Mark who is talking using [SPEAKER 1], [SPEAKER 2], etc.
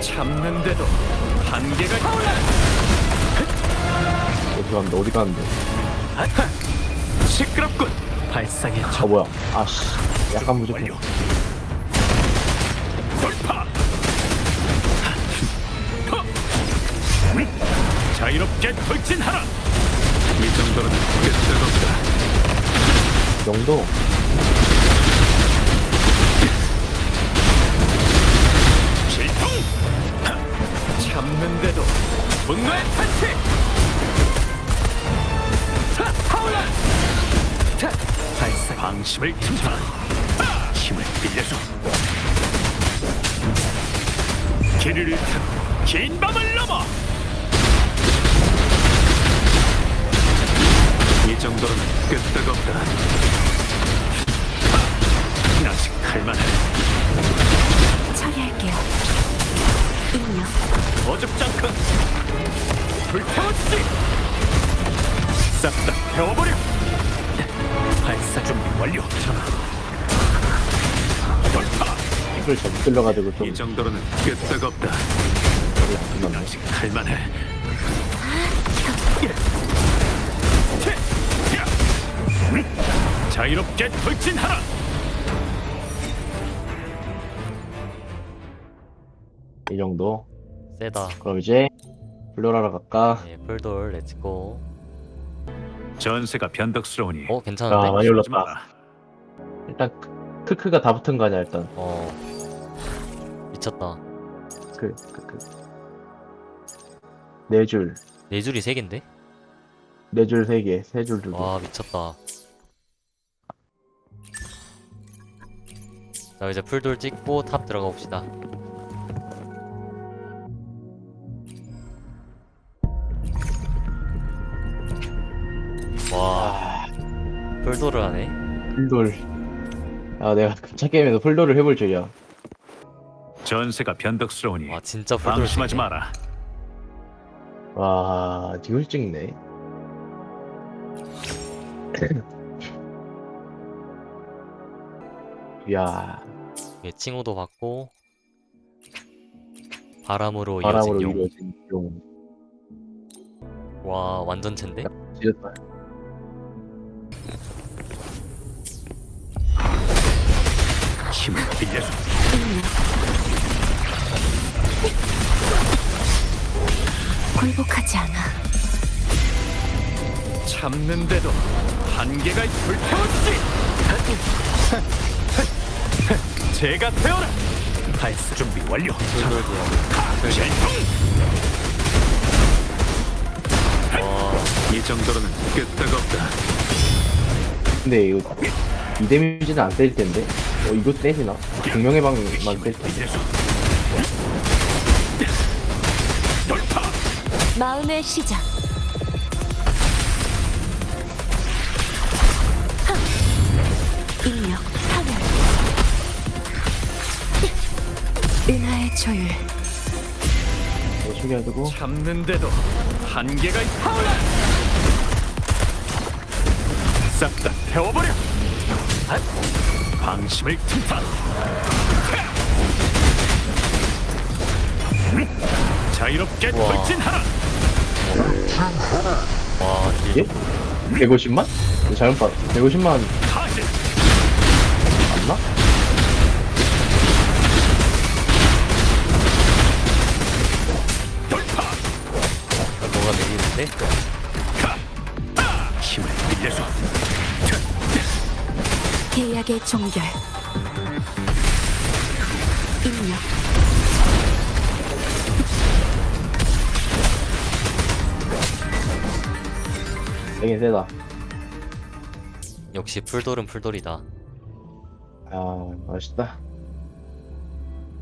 [SPEAKER 1] 참는데도 한계가 타올라.
[SPEAKER 2] 어디 갔는데 어디 갔는데
[SPEAKER 1] 시끄럽군. 발상의
[SPEAKER 2] 아 뭐야 아씨 약간 부족해
[SPEAKER 1] 완료. 돌파. 자유롭게 돌진하라. 이 정도는 끝없다.
[SPEAKER 2] 정도
[SPEAKER 1] 실통. 참는데도 분노의 탄식. 타올라. 발상 방심을 틈타. 힘을 빌려줘. 길을 잃든 긴 밤을 넘어. 이 정도로는 끄떡없다. 아직 할만해.
[SPEAKER 3] 처리할게요. 입력.
[SPEAKER 1] 어줍지 않고 불태웠지. 싹 다 태워버려. 발사 준비 완료. 돌파.
[SPEAKER 2] 이걸 잘못 들려가지고 좀
[SPEAKER 1] 이 정도로는 끄떡없다.
[SPEAKER 2] 끝났네
[SPEAKER 1] 아직 할만해. 자유롭게 돌진하라.
[SPEAKER 2] 이 정도
[SPEAKER 4] 세다.
[SPEAKER 2] 그럼 이제 블루라라 갈까
[SPEAKER 4] 예, 풀돌 렛츠고.
[SPEAKER 1] 전세가 변덕스러우니
[SPEAKER 4] 괜찮은데?
[SPEAKER 2] 아, 많이
[SPEAKER 1] 그러지
[SPEAKER 2] 올랐다.
[SPEAKER 1] 마라.
[SPEAKER 2] 일단 크크가 다 붙은 거 아니야 일단
[SPEAKER 4] 미쳤다.
[SPEAKER 2] 크크 네줄
[SPEAKER 4] 네 줄이 세 개인데?
[SPEAKER 2] 네 줄 세 개 세 줄 두 개
[SPEAKER 4] 와 미쳤다. 자 이제 풀돌 찍고 탑 들어가 봅시다. 와 풀돌을 하네.
[SPEAKER 2] 풀돌 아 내가 차 게임에서 풀돌을 해볼 줄이야
[SPEAKER 1] 전세가 변덕스러우니
[SPEAKER 4] 와 진짜 풀돌
[SPEAKER 1] 방심하지
[SPEAKER 4] 찍네.
[SPEAKER 1] 마라.
[SPEAKER 2] 와 이걸 찍네 이야
[SPEAKER 4] 예, 칭호도 받고 바람으로
[SPEAKER 2] 바람으로
[SPEAKER 4] 이어진 용.
[SPEAKER 2] 이루어진 용
[SPEAKER 4] 와 완전 챈데?
[SPEAKER 2] 지렸다
[SPEAKER 1] 힘을 빌려줘.
[SPEAKER 3] 굴복하지 않아.
[SPEAKER 1] 참는데도 한계가 불태웠지. 제가 태워라. 발사 준비 완료.
[SPEAKER 4] 풀돌도요.
[SPEAKER 1] 이 정도로는 끄떡없다.
[SPEAKER 2] 근데 이거 이 데미지는 안 때릴 텐데 이거 때리나? 공명의 방만 때릴 텐데
[SPEAKER 1] 빌려줘. 돌파.
[SPEAKER 3] 마음의 시작. 입력. 파멸. 은하의 조율.
[SPEAKER 2] 이거 숨겨두고
[SPEAKER 1] 참는데도 한계가 타올라. 싹 다 태워버려. 방심을 틈타. 자유롭게
[SPEAKER 4] 우와.
[SPEAKER 1] 돌진하라.
[SPEAKER 4] 와 딜.
[SPEAKER 2] 예? 150만? 이거 잘못 봤 150만
[SPEAKER 1] 타질.
[SPEAKER 2] 맞나?
[SPEAKER 1] 돌파.
[SPEAKER 4] 뭐가 내리는데?
[SPEAKER 1] 힘을 빌려줘.
[SPEAKER 3] 계약의 종결. 입력.
[SPEAKER 2] 되긴 세다
[SPEAKER 4] 역시 풀돌은 풀돌이다.
[SPEAKER 2] 아 맛있다